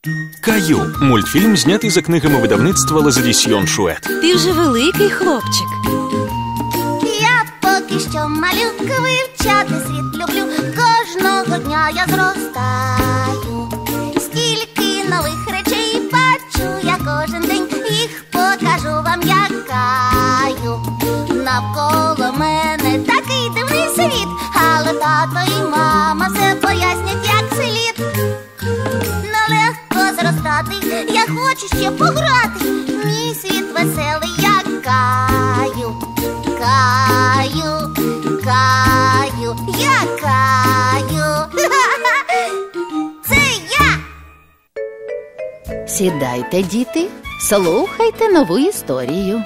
Каю – мультфільм, знятий за книгами видавництва Лазадісьйон Шует. Ти вже великий хлопчик. Я поки що малютка, вивчати світ люблю. Кожного дня я зростаю. Стільки нових речей бачу я кожен день. Їх покажу вам, як Каю. Навколо мене такий дивний світ, але тато і мама все пояснять, як слід. Нелегко зростати, я хочу ще пограти. Мій світ веселий, як Каю. Каю, Каю, я Каю. Це я! Сідайте, діти, слухайте нову історію.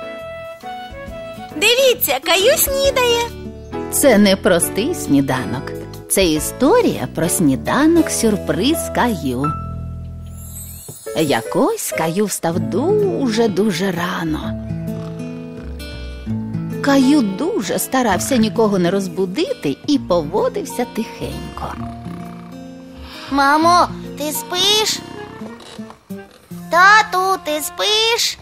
Дивіться, Каю снідає. Це не простий сніданок. Це історія про сніданок-сюрприз Каю. Якось Каю встав дуже рано. Каю дуже старався нікого не розбудити і поводився тихенько. Мамо, ти спиш? Тату, ти спиш?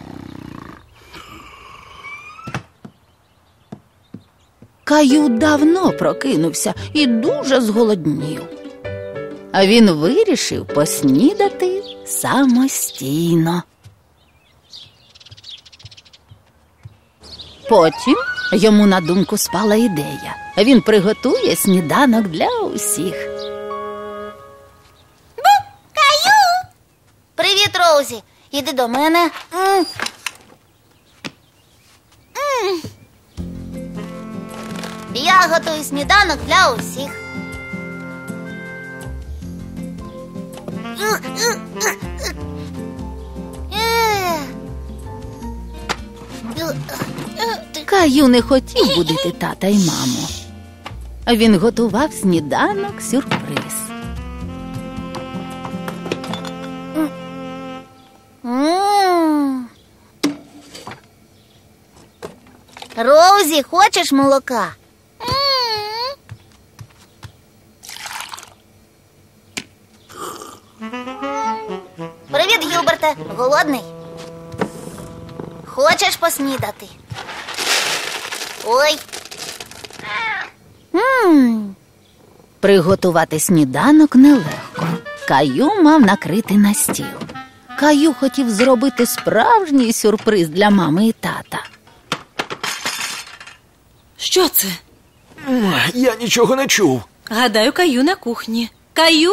Каю давно прокинувся і дуже зголоднів. А він вирішив поснідати самостійно. Потім йому на думку спала ідея. Він приготує сніданок для усіх. Каю! Привіт, Роузі. Іди до мене. Я готую сніданок для усіх. Каю не хотів будити тата й маму. Він готував сніданок-сюрприз. Роузі, хочеш молока? Привіт, Гілберте. Голодний? Хочеш поснідати? Ой. Приготувати сніданок нелегко. Каю мав накрити на стіл. Каю хотів зробити справжній сюрприз для мами і тата. Що це? Я нічого не чув. Гадаю, Каю на кухні. Каю!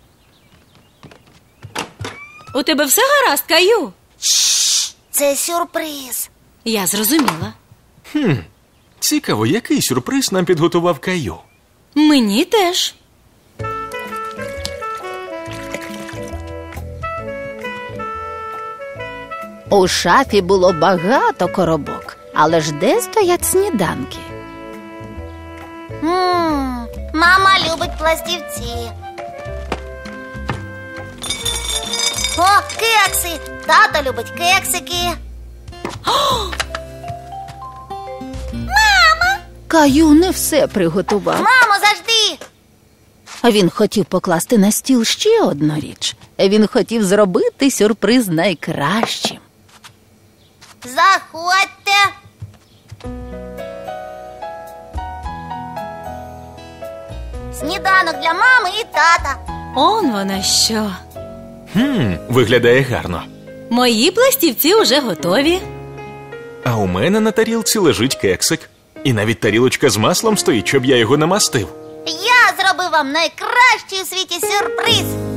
У тебе все гаразд, Каю? Це сюрприз. Я зрозуміла. Цікаво, який сюрприз нам підготував Каю? Мені теж. У шафі було багато коробок, але ж де стоять сніданки? Мама любить пластівці. О, кекси! Тато любить кексики. Каю не все приготував. Мамо, завжди! Він хотів покласти на стіл ще одну річ. Він хотів зробити сюрприз найкращим. Заходьте. Сніданок для мами і тата. Он вона що. Виглядає гарно. Мої пластівці уже готові. А у мене на тарілці лежить кексик. І навіть тарілочка з маслом стоїть, щоб я його намастив. Я зробив вам найкращий у світі сюрприз.